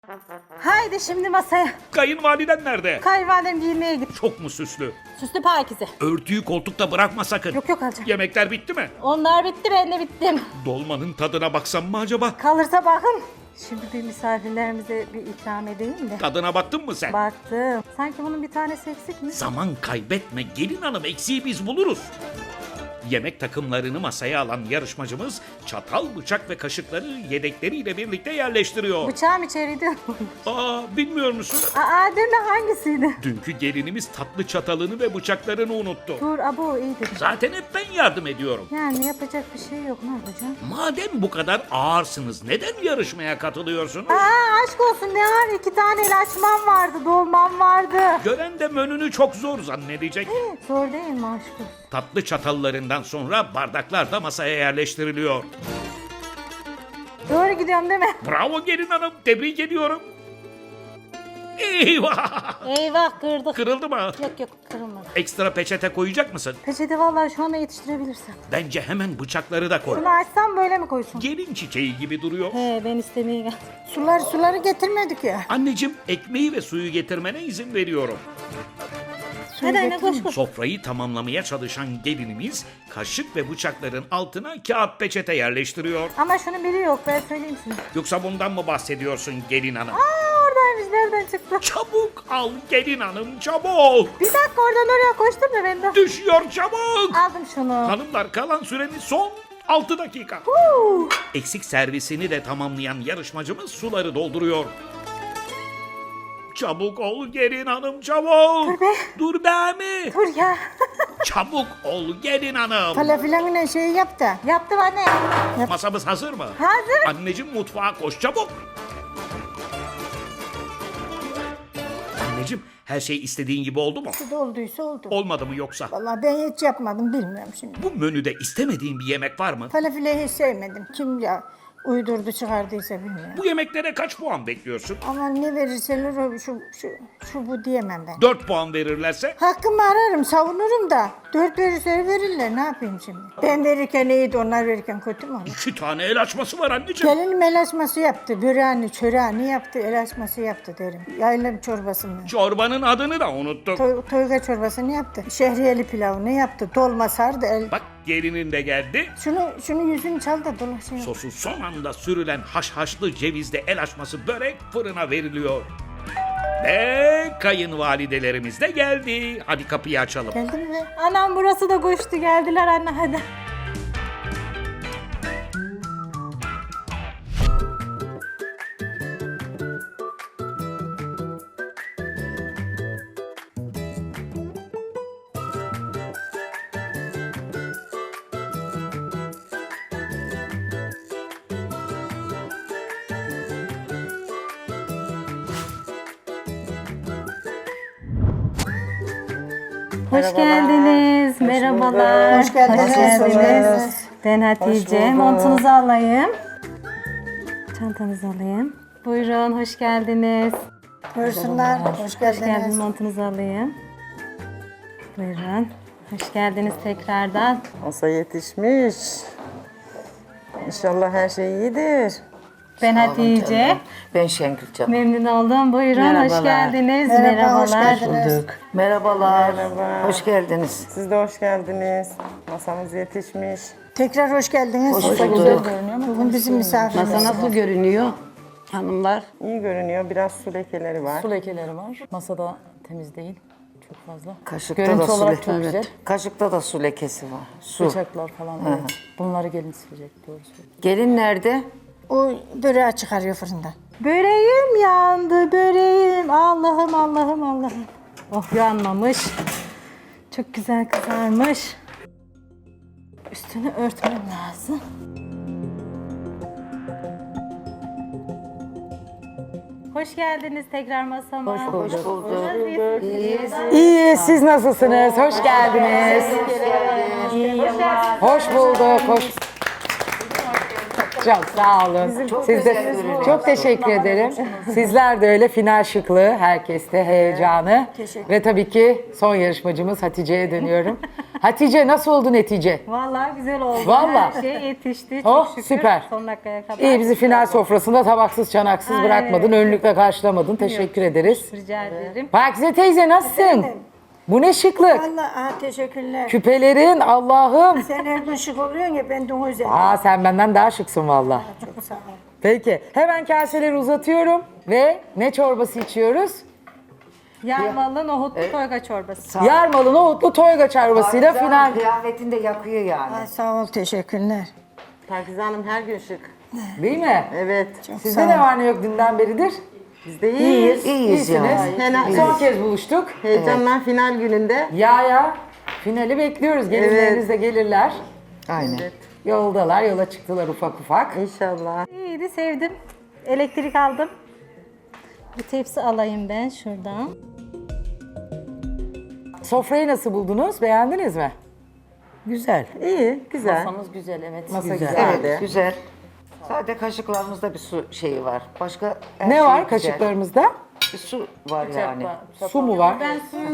Haydi şimdi masaya. Kayınvaliden nerede? Kayınvalidem giyinmeye git. Çok mu süslü? Süslü pakize. Örtüyü koltukta bırakma sakın. Yok alacağım. Yemekler bitti mi? Onlar bitti, ben de bittim. Dolmanın tadına baksam mı acaba? Kalırsa bakın. Şimdi bir misafirlerimize bir ikram edeyim de. Tadına baktın mı sen? Baktım. Sanki bunun bir tanesi eksik mi? Zaman kaybetme gelin hanım, eksiği biz buluruz. Yemek takımlarını masaya alan yarışmacımız çatal, bıçak ve kaşıkları yedekleriyle birlikte yerleştiriyor. Bıçağım içeriydi. Aa, bilmiyor musun? Aa, dün hangisiydi? Dünkü gelinimiz tatlı çatalını ve bıçaklarını unuttu. Dur abo iyidir. Zaten hep ben yardım ediyorum. Yani yapacak bir şey yok, ne yapacağım? Madem bu kadar ağırsınız neden yarışmaya katılıyorsunuz? Aa, aşk olsun, ne var? 2 tane el açmam vardı, dolmam vardı. Gören de menünü çok zor zannedecek. Zor değil mi aşk olsun? Tatlı çatallarından sonra bardaklar da masaya yerleştiriliyor. Doğru gidiyorum değil mi? Bravo gelin hanım, tebrik ediyorum. Eyvah! Eyvah, kırdık. Kırıldı mı? Yok kırılmadı. Ekstra peçete koyacak mısın? Peçete vallahi şu anda yetiştirebilirsem. Bence hemen bıçakları da koy. Bunu açsam böyle mi koysun? Gelin çiçeği gibi duruyor. He, ben istemeye geldim. Suları getirmedik ya. Anneciğim, ekmeği ve suyu getirmene izin veriyorum. Hadi anne koş. Sofrayı tamamlamaya çalışan gelinimiz kaşık ve bıçakların altına kağıt peçete yerleştiriyor. Ama şunun biri yok, ben söyleyeyim size. Yoksa bundan mı bahsediyorsun gelin hanım? Aa, oradaymış, nereden çıktı? Çabuk al gelin hanım, çabuk! Bir dakika, oradan oraya koştum da ben de. Düşüyor çabuk! Aldım şunu. Hanımlar, kalan süremiz son 6 dakika. Huu. Eksik servisini de tamamlayan yarışmacımız suları dolduruyor. Çabuk ol gelin hanım, çabuk! Dur be. Dur be mi? Dur ya. Çabuk ol gelin hanım! Falafilanın şeyi yap da. Yaptım anne. Masamız hazır mı? Hazır. Anneciğim, mutfağa koş çabuk! Anneciğim, her şey istediğin gibi oldu mu? Olduysa oldu. Olmadı mı yoksa? Vallahi ben hiç yapmadım, bilmiyorum şimdi. Bu menüde istemediğin bir yemek var mı? Falafilayı hiç sevmedim. Kim ya uydurdu çıkardıysa bilmiyorum. Bu yemeklere kaç puan bekliyorsun? Ama ne verirseler o şu bu diyemem ben. 4 puan verirlerse? Hakkımı ararım, savunurum da. 4 verirse verirler, ne yapayım şimdi? Ben verirken iyiydi, onlar verirken kötü mü olur? 2 tane el açması var anneciğim. Gelinim el açması yaptı, böreğini, çöreğini yaptı, el açması yaptı derim. Yayla çorbasını. Çorbanın adını da unuttuk. Toyga çorbasını yaptı. Şehriyeli pilavını yaptı. Dolma sardı. Bak, gelinin de geldi. Şunu yüzünü çal da dolaşıyor. Sosu son anda sürülen haşhaşlı cevizli el açması börek fırına veriliyor. Ve kayınvalidelerimiz de geldi. Hadi kapıyı açalım. Geldi mi? Anam burası da koştu, geldiler anne hadi. Hoş geldiniz. Merhabalar. Hoş geldiniz. Hoş geldiniz. Ben Hatice. Montunuzu alayım. Çantanızı alayım. Buyurun, hoş geldiniz. Buyursunlar. Hoş Hoş geldiniz. geldiniz. Montunuzu alayım. Buyurun. Hoş geldiniz tekrardan. Masa yetişmiş. İnşallah her şey iyidir. Ben Hatice. Ben Şengül canım. Memnun oldum. Buyurun, hoş Merhabalar. geldiniz. Merhaba, hoş Merhabalar. geldiniz. Merhabalar. Merhaba. Hoş geldiniz. Siz de hoş geldiniz. Masamız yetişmiş. Tekrar hoş geldiniz. Hoş bulduk. Bugün bizim misafirimiz. Masa nasıl görünüyor hanımlar? İyi görünüyor. Biraz su lekeleri var. Su lekeleri var. Masada temiz değil. Çok fazla. Kaşıkta Görüntü da su olarak lekesi. çok güzel. Kaşıkta da su lekesi var. Su. Bıçaklar falan. Evet. Bunları gelin silecek. Doğru söylüyorsun. Gelin nerede? O böreği çıkarıyor fırından. Böreğim yandı, böreğim. Allah'ım, Allah'ım, Allah'ım. Oh, yanmamış. Çok güzel kızarmış. Üstünü örtmem lazım. Hoş geldiniz tekrar masama. Hoş bulduk. İyi, siz nasılsınız? Hoş geldiniz. Hoş bulduk. Hoş. Çok sağ olun. Siz de çok teşekkür ederim. Sizler de öyle, final şıklığı, herkeste heyecanı. Ve tabii ki son yarışmacımız Hatice'ye dönüyorum. Hatice nasıl oldu netice? Vallahi güzel oldu. Vallahi. Her şey yetişti. Oh, Çok şükür. süper. Son dakikaya kadar. İyi bizi final sofrasında tabaksız çanaksız Aynen bırakmadın, öyle. önlükle karşılamadın. Teşekkür ederiz. Rica ederim. Pakize teyze nasılsın? Bu ne şıklık? Allah teşekkürler. Küpelerin Allah'ım. Sen her gün şık oluyorsun ya ben de o yüzden. Aa sen benden daha şıksın valla. Çok sağ ol. Peki hemen kaseleri uzatıyorum ve ne çorbası içiyoruz? Yarmalı nohutlu toyga çorbası. Yarmalı nohutlu toyga çorbasıyla final. Kıyafetini de yakıyor yani. Ay, sağ ol teşekkürler. Pakize Hanım her gün şık. Değil mi? Evet. Sizde ne var ne yok dünden beridir? Biz de iyiyiz. İyiyiz yani. İyisiniz. Son kez buluştuk. Heyecanla final gününde. Ya finali bekliyoruz. Gelinleriniz de gelirler. Aynen. Yoldalar, yola çıktılar ufak ufak. İnşallah. İyiydi, sevdim. Elektrik aldım. Bir tepsi alayım ben şuradan. Sofrayı nasıl buldunuz? Beğendiniz mi? Güzel. İyi, güzel. Masamız güzel, evet. Masa Güzel. güzel. Evet, güzel. Sadece kaşıklarımızda bir su şeyi var. Başka her Ne şey var güzel. kaşıklarımızda? Bir su var yani. Su mu var? Ben suyu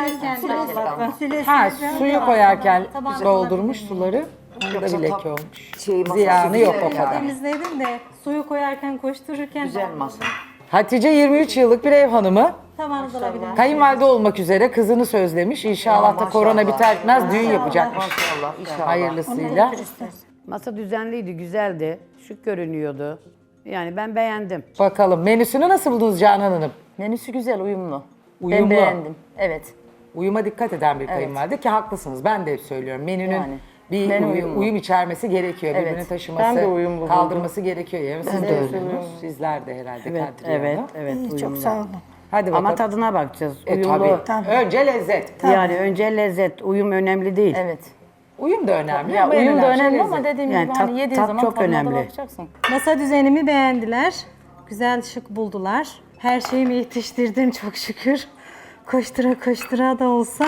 koyarken Ha, suyu koyarken Tabağına doldurmuş suları. Orada bir leke olmuş. Şey, masası Ziyanı yok güzel o kadar. temizledim de suyu koyarken koştururken Güzel masa. Hatice 23 yıllık bir ev hanımı. tabağınızı alabilirim. Kayınvalide olmak üzere kızını sözlemiş. İnşallah da korona biter bitmez düğün yapacakmış. Maşallah, inşallah. Hayırlısıyla. Masa düzenliydi, güzeldi, şık görünüyordu. Yani ben beğendim. Bakalım menüsünü nasıl buldunuz Canan Hanım? Menüsü güzel, uyumlu. Uyumlu. Ben beğendim. Evet. Uyuma dikkat eden bir kayınvalide ki haklısınız. Ben de hep söylüyorum. Menünün Yani. bir Menü uyum, uyumlu. içermesi gerekiyor. Evet. Birbirini taşıması, Ben de uyumlu buldum. kaldırması gerekiyor. Yani siz de öylesiniz. Sizler de herhalde Evet, Kadriye evet, Hanım. evet, İyi, uyumlu. çok sağ olun. Hadi bakalım. Ama tadına bakacağız. Tabii. Uyumlu. Önce lezzet. Yani önce lezzet, uyum önemli değil. Evet. Uyum da önemli Ya ama en uyum da önemli önemli lezzet. ama dediğim Yani gibi tat- hani yediğin tat zaman çok tadına da önemli. bakacaksın. Masa düzenimi beğendiler. Güzel, şık buldular. Her şeyimi yetiştirdim çok şükür. Koştura koştura da olsa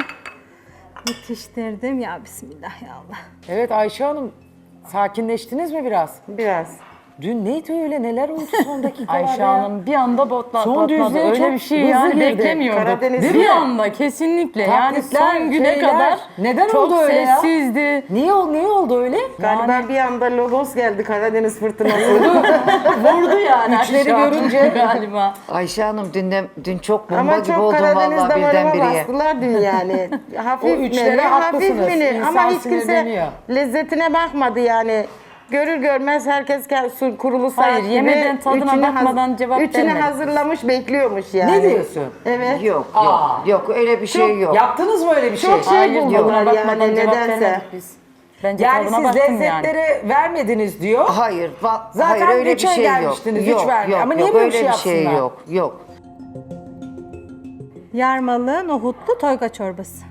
yetiştirdim. Ya Bismillah ya Allah. Evet Ayşe Hanım sakinleştiniz mi biraz? Biraz. Dün neydi öyle neler oldu son dakikalarda Ayşe ya? Hanım bir anda Son patladı. düzlüğe Öyle çok bir şey hızlı yani girdi. beklemiyorduk. Karadeniz bir değil mi? anda kesinlikle yani Taklitler, son güne şeyler. kadar Neden çok oldu öyle ya? sessizdi. Niye oldu öyle? Galiba bir anda logos geldi Karadeniz fırtınası. Vurdu yani. Üçleri aşağı görünce- galiba. Ayşe Hanım dün çok bomba Ama gibi çok oldum Karadeniz vallahi damarıma birdenbire. bastılar dün yani. Hafif O üçlere menü, hafif haklısınız. menü. İnsan Ama hiç kimse sinirleniyor. lezzetine bakmadı yani. Görür görmez herkes kurulu saat Hayır, gibi yemeden tadına üçünü bakmadan cevap üçünü vermedi. hazırlamış bekliyormuş yani. Ne diyorsun? Evet. Yok, Aa. yok, yok öyle bir şey yok. Yaptınız mı öyle bir şey? Çok şey Hayır, buldular tadına bakmadan yani cevap nedense. vermedik biz. Bence Yani tadına siz baktım yani. lezzetlere vermediniz diyor. Hayır, Zaten hayır öyle bir üçe şey yok. gelmiştiniz, üç Yok, vermiyor. yok, Ama niye yok, böyle bir öyle şey bir şey yapsınlar? yok, yok. Yarmalı nohutlu toyga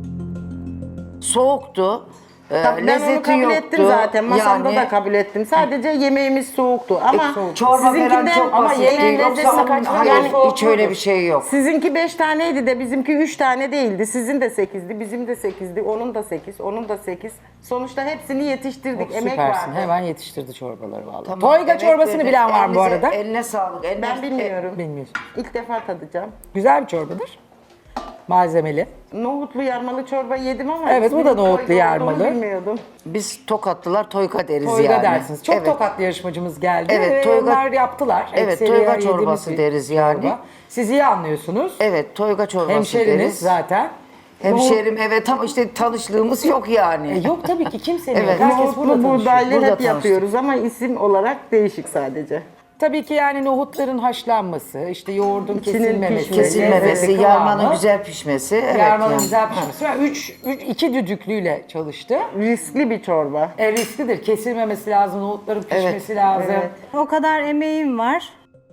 Soğuktu. Ben onu Lezzeti kabul yoktu. ettim zaten. Masamda Yani- da kabul ettim. Sadece yemeğimiz soğuktu. Ama Çorba falan sizinkinden çok ama basit. yemeğin Yoksa lezzeti kaçmadı. hayır, Yani hiç öyle bir şey yok. sizinki 5 taneydi de bizimki 3 tane değildi. Sizin de 8'di, bizim de 8'di, onun da 8, onun da 8. Sonuçta hepsini yetiştirdik. Emek Süpersin. vardı. Hemen yetiştirdi çorbaları vallahi. Tamam, Toyga evet, çorbasını evet. bilen var mı bu arada? Eline sağlık. Ben bilmiyorum. Bilmiyorsun. İlk defa tadacağım. Güzel bir çorbadır. Malzemeli. Nohutlu yarmalı çorba yedim ama Evet, bu da isminin nohutlu toyga olduğunu yarmalı. bilmiyordum. Biz Tokatlılar toyga deriz Toyga yani. dersiniz. Çok Evet. tokatlı yarışmacımız geldi. Evet, ve toyga- onlar yaptılar. Evet, Ekseriye toyga yediğimiz çorbası bir deriz yani. çorba. Siz iyi anlıyorsunuz. Evet, toyga çorbası Hemşeriniz deriz. zaten. Hemşerim, evet, ama işte tanışlığımız yok yani. Yok tabii ki kimsenin Evet. yok. Herkes burada Nohutlu tanışıyor. buğdaylı Burada hep tanıştık. yapıyoruz ama isim olarak değişik sadece. Tabii ki yani nohutların haşlanması, işte yoğurdun İçinin kesilmemesi, Kesilmemesi, lezzeti, yarmanın kıvamı, güzel pişmesi. Evet yarmanın yani. güzel pişmesi. Yani iki düdüklüyle çalıştı. Riskli bir çorba. Risklidir. Kesilmemesi lazım, nohutların pişmesi lazım. evet. O kadar emeğim var.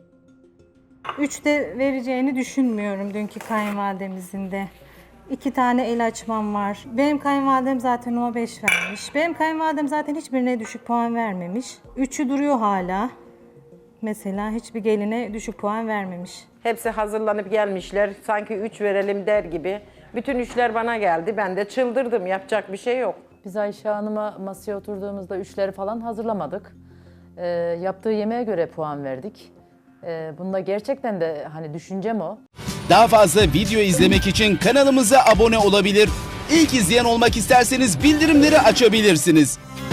3 de vereceğini düşünmüyorum dünkü kayınvalidemizin de. 2 tane el açmam var. Benim kayınvalidem zaten ona 5 vermiş. Benim kayınvalidem zaten hiçbirine düşük puan vermemiş. 3'ü duruyor hala. Mesela hiçbir geline düşük puan vermemiş. Hepsi hazırlanıp gelmişler. Sanki 3 verelim der gibi. Bütün üçler bana geldi. Ben de çıldırdım. Yapacak bir şey yok. Biz Ayşe Hanım'a masaya oturduğumuzda üçleri falan hazırlamadık. Yaptığı yemeğe göre puan verdik. Bunda gerçekten de hani düşüncem o. Daha fazla video izlemek için kanalımıza abone olabilir. İlk izleyen olmak isterseniz bildirimleri açabilirsiniz.